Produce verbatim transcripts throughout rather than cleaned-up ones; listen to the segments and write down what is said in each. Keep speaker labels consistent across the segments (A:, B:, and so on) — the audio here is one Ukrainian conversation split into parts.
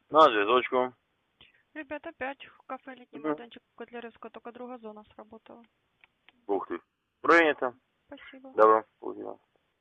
A: На зв'язочку.
B: Ребят, опять в кафе «Летний
A: Мгм.
B: майданчик» Котляревского, только другая зона сработала.
A: Ух ты. Принято.
B: Спасибо.
A: Добро. Понял.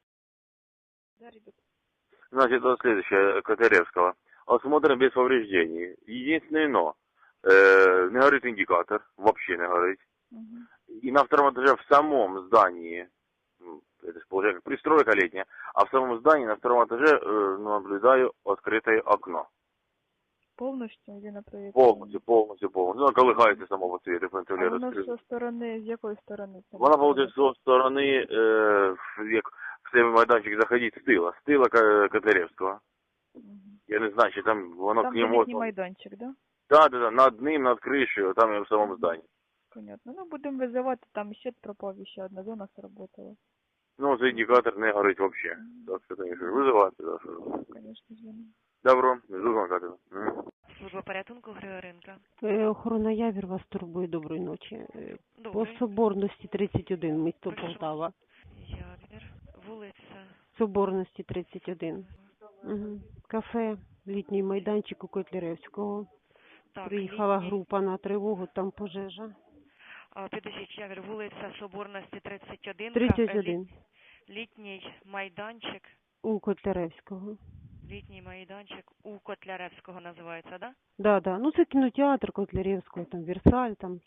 B: Да, ребят.
A: Значит, вот следующее, Котляревского. Осмотр без повреждений. Единственное но. Э, не горит индикатор. Вообще не горит.
B: Мгм.
A: И на втором этаже в самом здании, ну, это же получается как пристройка летняя, а в самом здании на втором этаже э, наблюдаю открытое окно.
B: Полностью или на проекте?
A: Полностью, полностью, полностью. Ну, колыхається самого цвета,
B: А
A: контролера
B: воно
A: скрыли.
B: со сторони, з якої сторони? це
A: Вона
B: направлено?
A: буде з сторони, е, як в цей майданчик заходить з тила, з тила Ка- Котляревського.
B: Мгм.
A: Я не знаю, чи там воно
B: Там
A: к
B: де
A: нему...
B: літній майданчик, да?
A: Да, да, да, над ним, над кришею, там і в самому зданні.
B: Понятно. Ну, будемо визивати, там ще пропав, ще одна зона сработала.
A: Ну, цей індикатор не горить вообще. Так що, конечно, визивати, да, що.
B: Конечно, звоню.
A: Добро, жду звонка. Мгм.
B: Служба порятунку Григоренка.
C: Е, Охорона Явір вас турбує. Доброї ночі. Е, По
B: Добрий.
C: Соборності тридцять один, місто
B: Прошу.
C: Полтава.
B: Явір. Вулиця.
C: Соборності тридцять один. Угу. Кафе, літній майданчик у Котляревського.
B: Так,
C: Приїхала
B: літній.
C: група на тривогу, там пожежа.
B: А, підождіть, Явір, вулиця Соборності тридцять один.
C: тридцять
B: Кафе
C: один.
B: Літ- Літній майданчик.
C: У Котляревського.
B: Літній майданчик у Котляревського називається, да?
C: Да, да. Ну це кінотеатр Котляревського, там Версаль, там.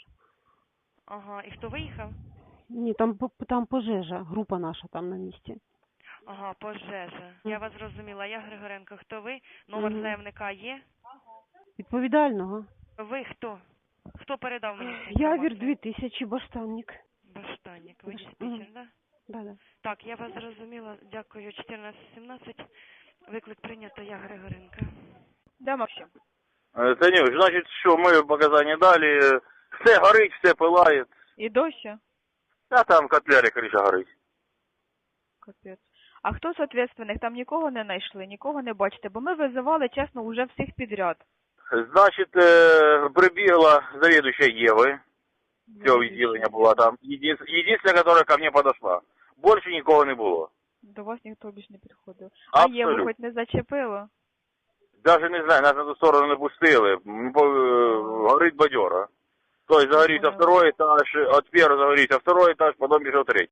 B: Ага, і хто виїхав?
C: Ні, там, по- там пожежа, група наша там на місці.
B: Ага, пожежа. Я вас зрозуміла. Я Григоренко. Хто ви? Номер
C: Мгм.
B: заявника є?
C: Відповідального.
B: Ви хто? Хто передав мені цю
C: Явір
B: інформацію?
C: дві тисячі, баштанник.
B: Баштанник. Ви
C: Мгм.
B: диспетчер, да?
C: Да, да.
B: Так, я вас зрозуміла. Дякую. чотирнадцять сімнадцять. Виклик прийнято. Я Григоренко. Да, Максим.
A: Е, Танюш, значить, що ми показання далі, все горить, все пилає.
B: І дощі?
A: А там котлярі криша горить.
B: Капець. А хто з ответственних? Там нікого не знайшли, нікого не бачите, бо ми визивали, чесно, уже всіх підряд.
A: Значить, е, прибігла завідуюча Єви, цього відділення була там. Єдин- Єдине, яка ко мне подошла. Більше нікого не було.
B: До вас ніхто більш не підходив. А Єву
A: Абсолютно.
B: хоч не зачепило?
A: Даже не знаю, нас на ту сторону не пустили. М, по- е, Горить бадьора. Тобто загорівся
B: Поняла.
A: второй этаж, от первого загорівся второй этаж, потім пішов третій.